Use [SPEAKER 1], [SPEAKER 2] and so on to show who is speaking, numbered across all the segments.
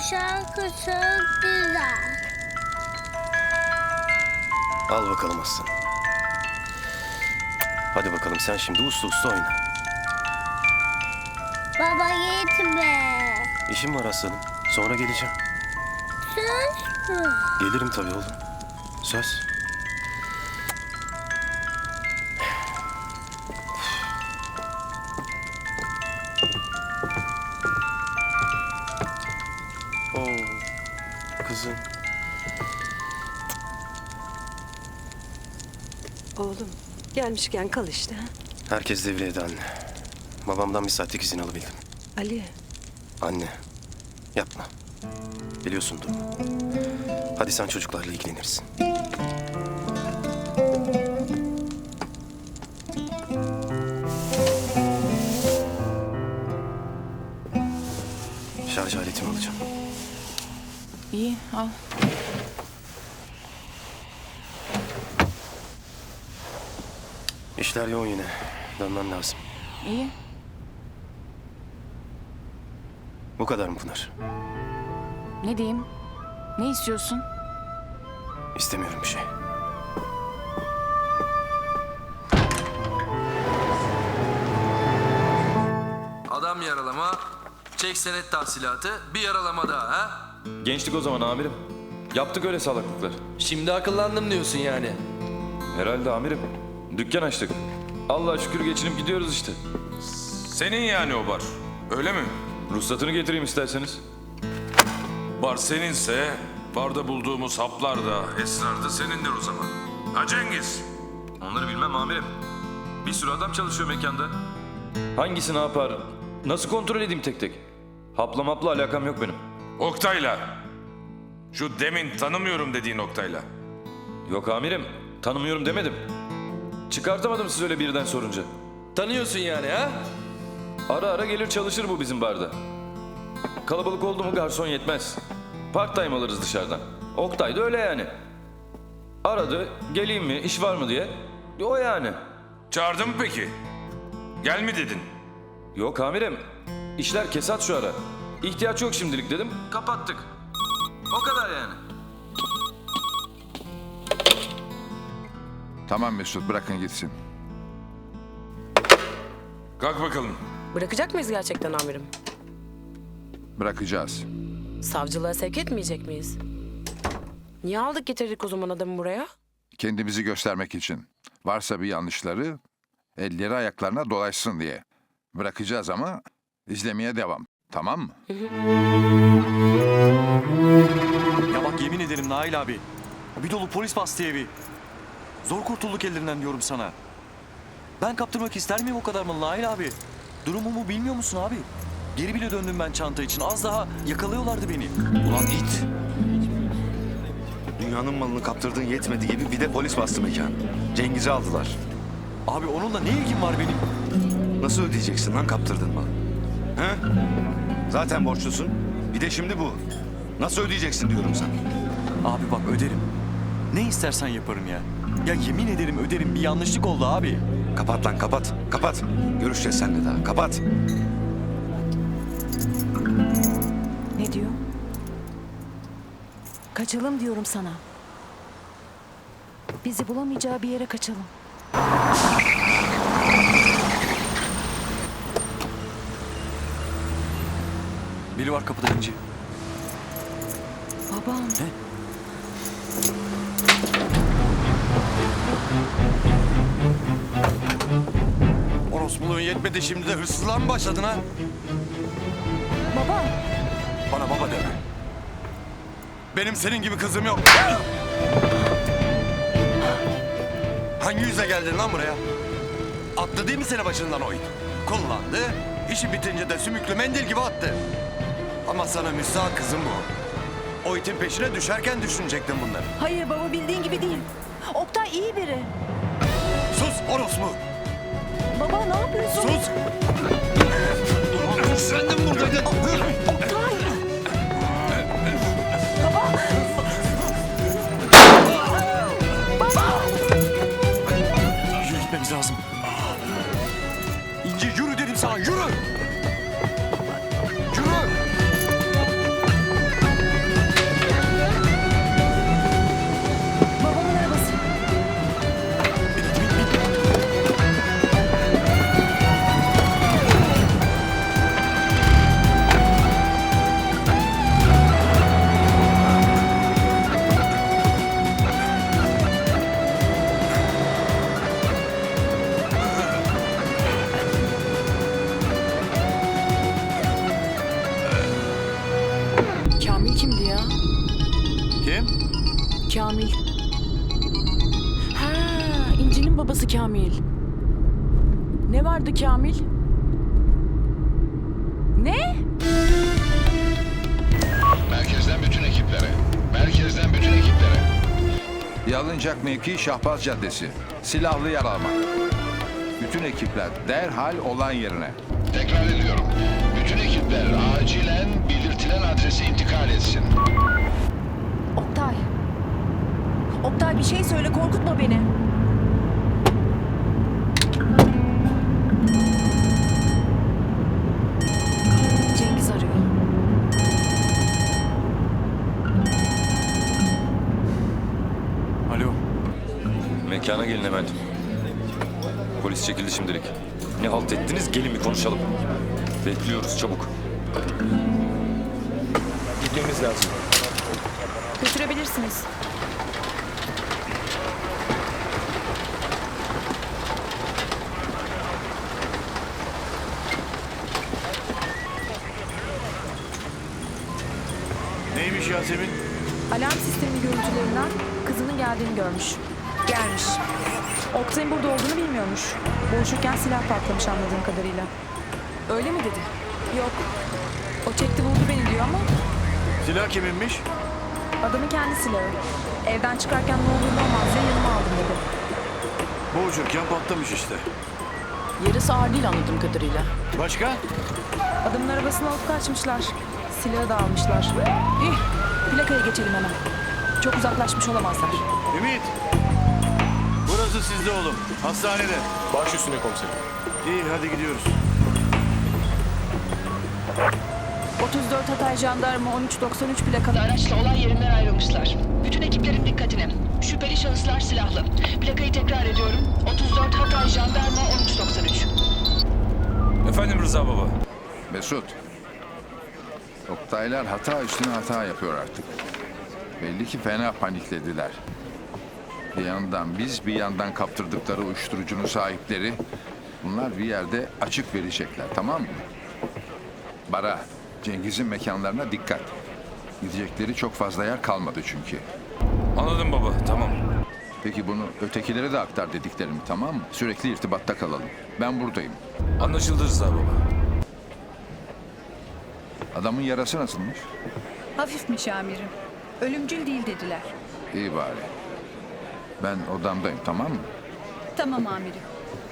[SPEAKER 1] şarkı çok güzel.
[SPEAKER 2] Al bakalım aslan. Hadi bakalım sen şimdi uslu uslu oyna.
[SPEAKER 1] Baba gitme.
[SPEAKER 2] İşim var aslanım. Sonra geleceğim.
[SPEAKER 1] Söz mü?
[SPEAKER 2] Gelirim tabii oğlum. Söz. Oo, kızım.
[SPEAKER 3] Oğlum gelmişken kal işte.
[SPEAKER 2] Herkes devriyede anne. Babamdan bir saatlik izin alabildim.
[SPEAKER 3] Ali,
[SPEAKER 2] Anne, yapma. Biliyorsun durumu. Hadi sen çocuklarla ilgilenirsin. Şarj aletimi alacağım.
[SPEAKER 4] İyi, al.
[SPEAKER 2] İşler yoğun yine. Dönmem lazım.
[SPEAKER 4] İyi.
[SPEAKER 2] Bu kadar mı Pınar?
[SPEAKER 4] Ne diyeyim? Ne istiyorsun?
[SPEAKER 2] İstemiyorum bir şey.
[SPEAKER 5] Adam yaralama, çek senet tahsilatı, bir yaralama daha ha?
[SPEAKER 6] Gençlik o zaman amirim. Yaptık öyle salaklıklar.
[SPEAKER 5] Şimdi akıllandım diyorsun yani.
[SPEAKER 6] Herhalde amirim. Dükkan açtık. Allah'a şükür geçinip gidiyoruz işte.
[SPEAKER 7] Senin yani o bar. Öyle mi?
[SPEAKER 6] Ruhsatını getireyim isterseniz.
[SPEAKER 7] Bar seninse barda bulduğumuz haplar da esrar da senindir o zaman. Ha Cengiz?
[SPEAKER 6] Onları bilmem amirim. Bir sürü adam çalışıyor mekanda. Hangisi ne yapar? Nasıl kontrol edeyim tek tek? Hapla mapla alakam yok benim.
[SPEAKER 7] Oktay'la. Şu demin tanımıyorum dediğin Oktay'la.
[SPEAKER 6] Yok amirim. Tanımıyorum demedim. Çıkartamadım siz öyle birden sorunca.
[SPEAKER 5] Tanıyorsun yani ha?
[SPEAKER 6] Ara ara gelir çalışır bu bizim barda. Kalabalık oldu mu garson yetmez. Part time alırız dışarıdan. Oktay da öyle yani. Aradı, geleyim mi, iş var mı diye. O yani.
[SPEAKER 7] Çağırdın mı peki? Gel mi dedin?
[SPEAKER 6] Yok amirim, işler kesat şu ara. İhtiyaç yok şimdilik dedim, kapattık. O kadar yani.
[SPEAKER 8] Tamam Mesut, bırakın gitsin.
[SPEAKER 7] Kalk bakalım.
[SPEAKER 9] Bırakacak mıyız gerçekten amirim?
[SPEAKER 8] Bırakacağız.
[SPEAKER 9] Savcılığa sevk etmeyecek miyiz? Niye aldık getirdik o zaman adamı buraya?
[SPEAKER 8] Kendimizi göstermek için. Varsa bir yanlışları elleri ayaklarına dolaşsın diye. Bırakacağız ama izlemeye devam. Tamam mı?
[SPEAKER 10] Ya bak yemin ederim Nail abi. Bir dolu polis bastı evi. Zor kurtulduk ellerinden diyorum sana. Ben kaptırmak ister miyim o kadar mı Nail abi? Durumumu bilmiyor musun abi? Geri bile döndüm ben çanta için. Az daha yakalıyorlardı beni.
[SPEAKER 11] Ulan it! Dünyanın malını kaptırdığın yetmedi gibi bir de polis bastı mekanı. Cengiz'i aldılar.
[SPEAKER 10] Abi onunla ne ilgim var benim?
[SPEAKER 11] Nasıl ödeyeceksin lan kaptırdığın malı? He? Zaten borçlusun. Bir de şimdi bu. Nasıl ödeyeceksin diyorum sana.
[SPEAKER 10] Abi bak öderim. Ne istersen yaparım ya. Ya yemin ederim öderim. Bir yanlışlık oldu abi.
[SPEAKER 11] Kapat lan kapat. Kapat. Görüşeceğiz seninle daha. Kapat.
[SPEAKER 4] Ne diyor? Kaçalım diyorum sana. Bizi bulamayacağı bir yere kaçalım.
[SPEAKER 10] Biri var kapıda İnci.
[SPEAKER 4] Babam.
[SPEAKER 10] Ne?
[SPEAKER 11] Orospuluğun yetmedi şimdi de hırsızlığa mı başladın ha?
[SPEAKER 4] Baba.
[SPEAKER 11] Bana baba deme. Benim senin gibi kızım yok. Hangi yüzle geldin lan buraya? Attı değil mi seni başından o it? Kullandı. İşi bitince de sümüklü mendil gibi attı. Ama sana müstahak kızım bu. O itin peşine düşerken düşünecektin bunları.
[SPEAKER 4] Hayır baba bildiğin gibi değil. Oktay iyi biri.
[SPEAKER 11] Sus orospu!
[SPEAKER 4] Baba ne yapıyorsun?
[SPEAKER 11] Sus! Sen de mi buradaydın?
[SPEAKER 4] Oktay.
[SPEAKER 10] Yürü gitmemiz lazım. İnci yürü dedim sana yürü. Yürü. Kim?
[SPEAKER 9] Kamil. Ha, İnci'nin babası Kamil. Ne vardı Kamil? Ne?
[SPEAKER 8] Merkezden bütün ekiplere. Merkezden bütün ekiplere. Yalıncak mevki Şahbaz Caddesi. Silahlı yaralama. Bütün ekipler derhal olay yerine. Tekrar ediyorum. Bütün ekipler acilen belirtilen adrese intikal etsin.
[SPEAKER 4] Oktay. Oktay bir şey söyle, korkutma beni.
[SPEAKER 9] Cengiz arıyor.
[SPEAKER 10] Alo.
[SPEAKER 6] Mekana gelin hemen. Polis çekildi şimdilik. Ne halt ettiniz? Gelin bir konuşalım. Bekliyoruz çabuk. Gitmemiz lazım.
[SPEAKER 4] Götürebilirsiniz.
[SPEAKER 10] Neymiş Yasemin?
[SPEAKER 4] Alarm sistemi görüntülerinden kızının geldiğini görmüş. Gelmiş. Oktay'ın burada olduğunu bilmiyormuş. Boğuşurken silah patlamış anladığım kadarıyla.
[SPEAKER 9] Öyle mi dedi?
[SPEAKER 4] Yok. O çekti vurdu beni diyor ama
[SPEAKER 10] Silah kiminmiş?
[SPEAKER 4] adamın kendi silahı. Evden çıkarken ne olur ne olmaz diye yanıma aldım dedi.
[SPEAKER 10] Boğuşurken patlamış işte.
[SPEAKER 9] Yarısı ağır değil anladığım kadarıyla.
[SPEAKER 10] Başka?
[SPEAKER 4] Adamın arabasını alıp kaçmışlar. Silahı da almışlar. İh, plakaya geçelim hemen. Çok uzaklaşmış olamazlar.
[SPEAKER 10] Ümit. Burası sizde oğlum. Hastanede.
[SPEAKER 2] Baş üstüne komiserim.
[SPEAKER 10] İyi hadi gidiyoruz.
[SPEAKER 4] 34 Hatay Jandarma 1393 plakalı
[SPEAKER 12] Araçla olay yerinden ayrılmışlar. Bütün ekiplerin dikkatine. Şüpheli şahıslar silahlı. Plakayı tekrar ediyorum. 34 Hatay Jandarma 1393.
[SPEAKER 7] Efendim Rıza baba.
[SPEAKER 8] Mesut. Oktaylar hata üstüne hata yapıyor artık. Belli ki fena paniklediler. Bir yandan biz, bir yandan kaptırdıkları uyuşturucunun sahipleri. Bunlar bir yerde açık verecekler, tamam mı? Bara, Cengiz'in mekanlarına dikkat. Gidecekleri çok fazla yer kalmadı çünkü.
[SPEAKER 7] Anladım baba, tamam.
[SPEAKER 8] Peki bunu ötekilere de aktar dediklerimi, tamam mı? Sürekli irtibatta kalalım. Ben buradayım.
[SPEAKER 7] Anlaşıldı Rıza baba.
[SPEAKER 8] Adamın yarası nasılmış?
[SPEAKER 4] Hafifmiş amirim. Ölümcül değil dediler.
[SPEAKER 8] İyi bari. Ben odamdayım, tamam mı?
[SPEAKER 4] Tamam amirim.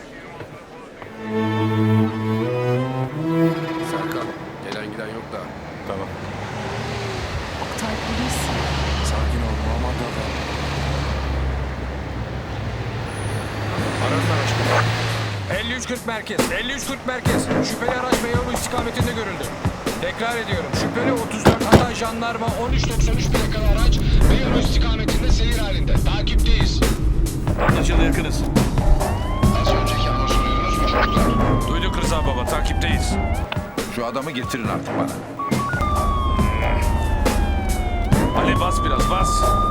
[SPEAKER 2] Serkan, gelen giden yok da.
[SPEAKER 6] Tamam.
[SPEAKER 4] Oktay polis.
[SPEAKER 10] Sakin ol Muhammed adam.
[SPEAKER 2] Arasın araç.
[SPEAKER 13] 5340 merkez, 5340 merkez. Şüpheli araç Beyoğlu istikametinde görüldü. Tekrar ediyorum. Şüpheli 34 Hatay Jandarma 1393 plakalı araç Beyoğlu istikametinde seyir halinde. Takipteyiz.
[SPEAKER 10] Anlaşıldı yakınız.
[SPEAKER 8] Az önceki anonsu duydunuz mu çocuklar?
[SPEAKER 7] Duyduk Rıza baba, takipteyiz.
[SPEAKER 8] Şu adamı getirin artık bana.
[SPEAKER 7] Ali bas biraz, bas.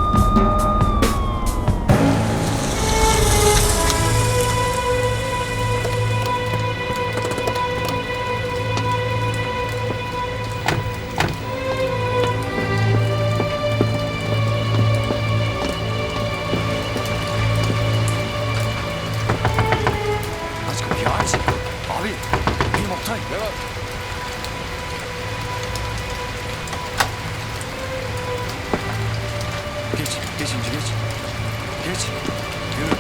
[SPEAKER 10] Aç kapıyı aç. Abi benim Oktay. Ne var? Geç İnci geç. Geç. Yürü.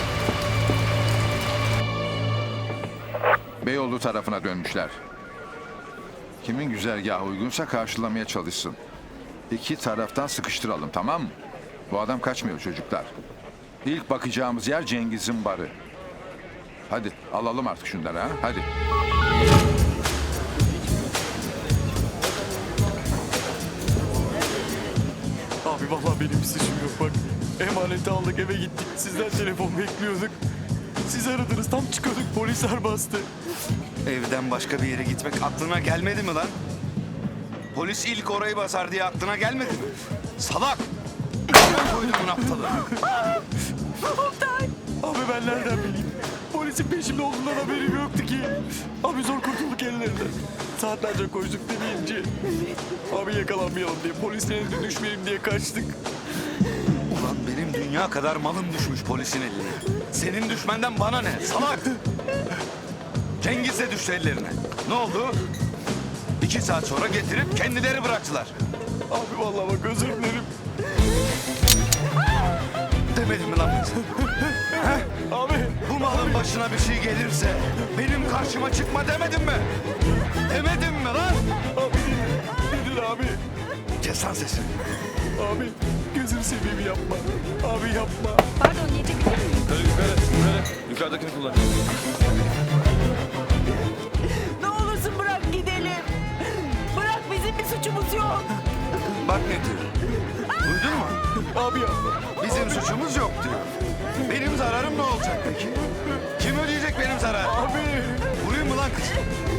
[SPEAKER 8] Beyoğlu tarafına dönmüşler. Kimin güzergahı uygunsa karşılamaya çalışsın. İki taraftan sıkıştıralım, tamam mı? Bu adam kaçmıyor çocuklar. İlk bakacağımız yer Cengiz'in barı. Hadi alalım artık şunları ha, hadi.
[SPEAKER 10] Abi vallahi benim bir suçum yok bak. Emaneti aldık eve gittik. Sizden telefon bekliyorduk. Siz aradınız tam çıkıyorduk polisler bastı.
[SPEAKER 11] Evden başka bir yere gitmek aklına gelmedi mi lan? Polis ilk orayı basar diye aklına gelmedi mi? Salak! Ben koydum bunu aptalı.
[SPEAKER 10] Abi ben nereden bileyim? Polisin peşimde olduğundan haberim yoktu ki. Abi zor kurtulduk ellerinden. Saatlerce koştuk deneyince. Abi yakalanmayalım diye, polisin eline düşmeyelim diye kaçtık.
[SPEAKER 11] Ulan benim dünya kadar malım düşmüş polisin eline. Senin düşmenden bana ne salak? Cengiz de düştü ellerine. Ne oldu? 2 saat sonra getirip kendileri bıraktılar.
[SPEAKER 10] Abi vallahi bak özür dilerim.
[SPEAKER 11] Demedim mi lan ben sana? He?
[SPEAKER 10] Abi.
[SPEAKER 11] Bu malın başına bir şey gelirse benim karşıma çıkma demedim mi? Demedim mi lan?
[SPEAKER 10] Abi nedir abi?
[SPEAKER 11] Kes lan sesini.
[SPEAKER 10] Abi gözünü seveyim yapma. Abi yapma.
[SPEAKER 4] Pardon yiyecek bir şey mi?
[SPEAKER 6] Yukarı. Yukarıdakini kullan.
[SPEAKER 3] Ne olursun bırak gidelim. Bırak bizim bir suçumuz yok.
[SPEAKER 11] Bak ne diyor. Duydun mu?
[SPEAKER 10] Abi yapma.
[SPEAKER 11] Bizim suçumuz yok diyor. Benim zararım ne olacak peki? Kim ödeyecek benim zararımı?
[SPEAKER 10] Abi.
[SPEAKER 11] Vurayım mı lan kız?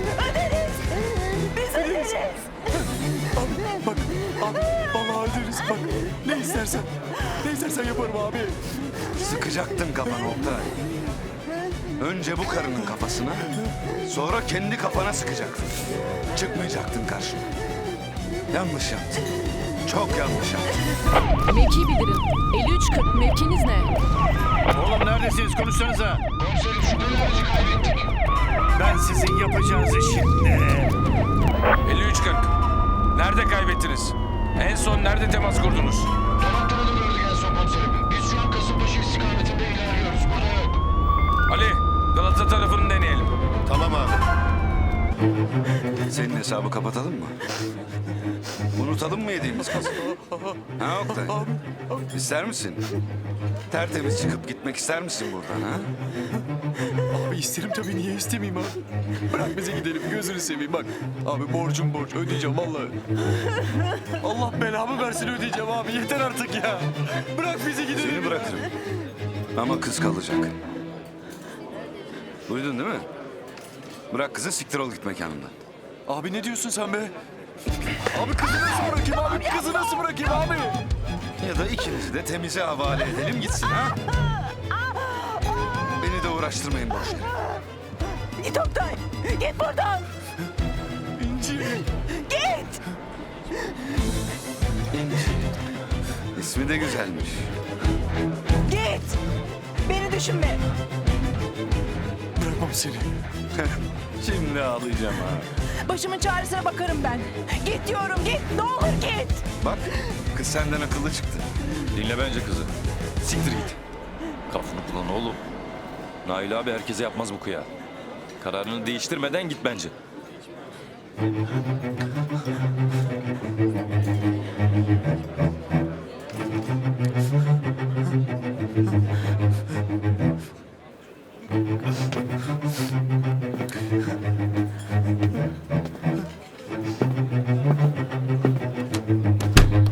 [SPEAKER 3] Biz öderiz.
[SPEAKER 10] Abi bak. Abi vallahi öderiz. Bak ne istersen. Ne istersen yaparım abi.
[SPEAKER 11] Sıkacaktın kafanı Oktay. Önce bu karının kafasına, sonra kendi kafana sıkacaktın. Çıkmayacaktın karşıma. Yanlış yaptın. Çok yanlış yaptın.
[SPEAKER 9] Mevki bildirin. 5340 mevkiniz ne?
[SPEAKER 6] Oğlum neredesiniz? Konuşsanıza.
[SPEAKER 13] Komiserim şüpheli aracı kaybettik.
[SPEAKER 6] Ben sizin yapacağınızı şimdi.
[SPEAKER 7] 53-40. Nerede kaybettiniz? En son nerede temas kurdunuz?
[SPEAKER 13] Donatlı'da gördük en son komiserim. Biz şu an Kasımpaşa istikametinde ilerliyoruz. Burada yok.
[SPEAKER 7] Ali, Galata tarafını deneyelim.
[SPEAKER 2] Tamam abi.
[SPEAKER 11] Senin hesabı kapatalım mı? Unutalım mı yediğimiz kızı? Ha Oktay? İster misin? Tertemiz çıkıp gitmek ister misin buradan ha?
[SPEAKER 10] Abi isterim tabii, niye istemeyeyim abi? Bırak bize gidelim, gözünü seveyim bak. Abi borcum borç, ödeyeceğim vallahi. Allah belamı versin, ödeyeceğim abi, yeter artık ya. Bırak bizi gidelim.
[SPEAKER 11] Seni bırakırım. Ama kız kalacak. Duydun değil mi? Bırak kızı, siktir ol git mekanından.
[SPEAKER 10] Abi ne diyorsun sen be? Abi kızı nasıl bırakayım abi? Kızı nasıl bırakayım abi?
[SPEAKER 11] Ya da ikinizi de temize havale edelim gitsin ha? Beni de uğraştırmayın boş yere.
[SPEAKER 3] Git Oktay. Git buradan.
[SPEAKER 10] İnci.
[SPEAKER 3] Git.
[SPEAKER 11] İnci. İsmi de güzelmiş.
[SPEAKER 3] Git. Beni düşünme.
[SPEAKER 10] Bırakmam seni.
[SPEAKER 11] Şimdi ağlayacağım ha.
[SPEAKER 3] Başımın çaresine bakarım ben. Git diyorum, git. Ne olur git.
[SPEAKER 11] Bak, kız senden akıllı çıktı.
[SPEAKER 6] Dinle bence kızı.
[SPEAKER 11] Siktir git.
[SPEAKER 6] Kafanı kullan oğlum. Nail abi herkese yapmaz bu kıya. Kararını değiştirmeden git bence.